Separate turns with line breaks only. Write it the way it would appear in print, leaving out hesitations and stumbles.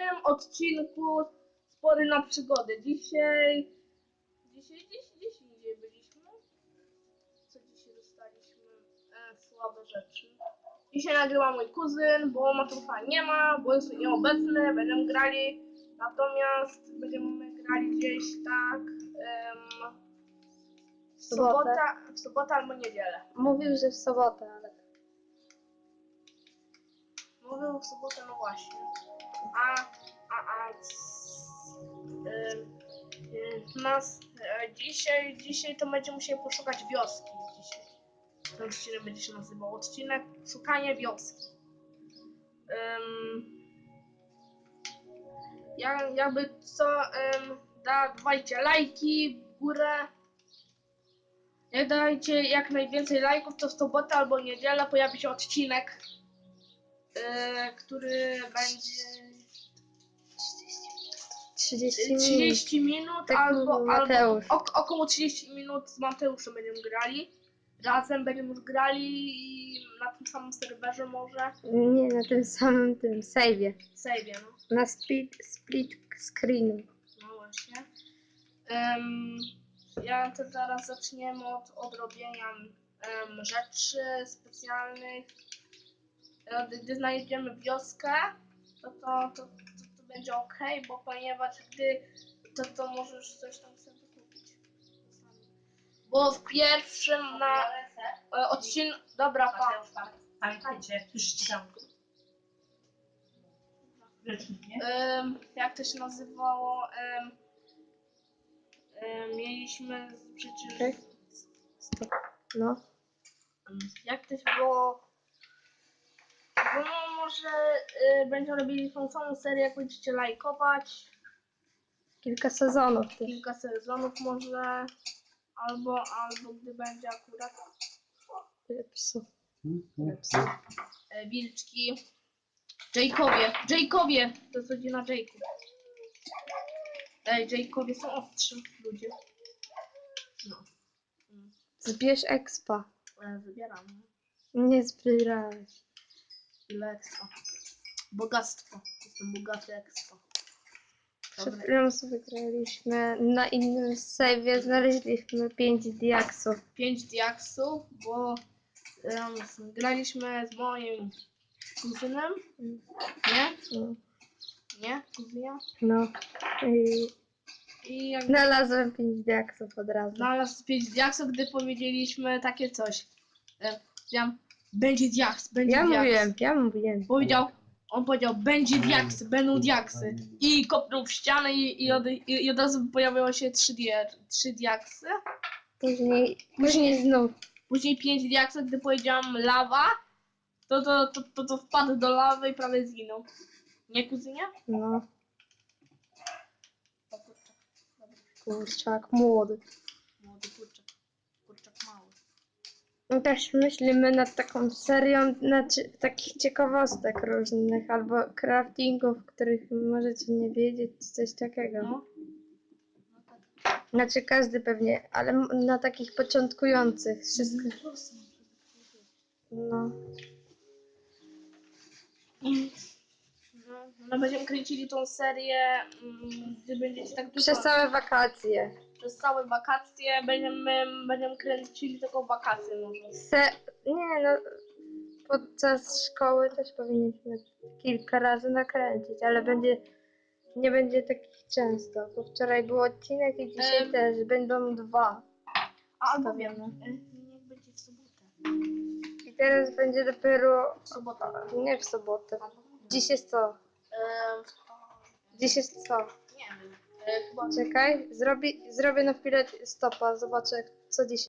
dzisiejszym odcinku Spory na przygody. Dzisiaj byliśmy. Co dzisiaj dostaliśmy? Słabe rzeczy. Dzisiaj nagrywa mój kuzyn, bo Mateusza nie ma, bo jest nieobecny, będziemy grali. Natomiast będziemy grali gdzieś tak w sobotę albo niedzielę.
Mówił, że w sobotę, ale...
Mówił w sobotę, no właśnie. Dzisiaj to będziemy musieli poszukać wioski. Ten odcinek będzie się nazywał odcinek Szukanie wioski. Jakby co, dawajcie lajki w górę. Jak dajcie jak najwięcej lajków, to w sobotę albo niedzielę pojawi się odcinek, który będzie 30 minut
Tak
albo
Mateusz.
około 30 minut z Mateuszem będziemy grali. Razem będziemy już grali i na tym samym serwerze może.
Nie, na tym samym save'ie.
Save'ie, no.
Na split screenu.
No właśnie. Ja to zaraz zaczniemy od robienia rzeczy specjalnych. Gdy znajdziemy wioskę, to będzie ok, bo ponieważ gdy to możesz coś tam sobie kupić. Bo w pierwszym odcinku... Dobra,
Pamiętajcie, już ścigam.
jak to się nazywało? Mieliśmy przecież...
Tak? Stop. No.
Jak to się było? No może będziemy robili tą samą serię, jak będziecie lajkować.
Kilka sezonów też.
Kilka sezonów może. Albo gdy będzie akurat
Psu.
wilczki. Jacowie! To jest rodzina Jacob. Jacowie są ostrzy ludzie. No.
Zbierz expa.
Wybieram.
Nie zbierałeś.
Ile expo? Bogactwo. Jestem bogaty expo.
Przed chwilą sobie graliśmy na innym save'ie, znaleźliśmy 5 diaksów.
5 diaksów, bo graliśmy z moim kuzynem. Nie?
No.
Nie? Kuzynia?
No.
I jak
Znalazłem 5 diaksów od razu.
znalazł 5 diaksów, gdy powiedzieliśmy takie coś. Powiedziałam, będzie diaks, będzie diaks.
Ja mówiłem.
On powiedział, będzie diaks, będą diaksy. I kopnął w ścianę i od razu pojawiło się 3 diaksy.
Później znów.
Później 5 diaksów, gdy powiedziałam lawa, to wpadł do lawy i prawie zginął. Nie, kuzynie?
No.
O, kurczak. Dobra.
Kurczak młody.
Młody kurczak. Kurczak mały.
No też myślimy nad taką serią, znaczy takich ciekawostek różnych, albo craftingów, których możecie nie wiedzieć, czy coś takiego.
No.
Znaczy każdy pewnie, ale na takich początkujących wszystko. No.
No będziemy kręcili tą serię, gdy będziecie tak dużo...
Przez całe wakacje.
Przez całe wakacje będziemy kręcili tylko wakacje może.
Nie no, podczas szkoły też powinniśmy kilka razy nakręcić, ale nie będzie takich często, bo wczoraj był odcinek i dzisiaj też będą 2.
Albo wiem, niech będzie w sobotę.
I teraz będzie dopiero
W sobotę.
nie w sobotę. Dziś jest co? Dziś jest co?
Nie wiem. Chyba
Czekaj, zrobię na chwilę stopa, zobaczę co dziś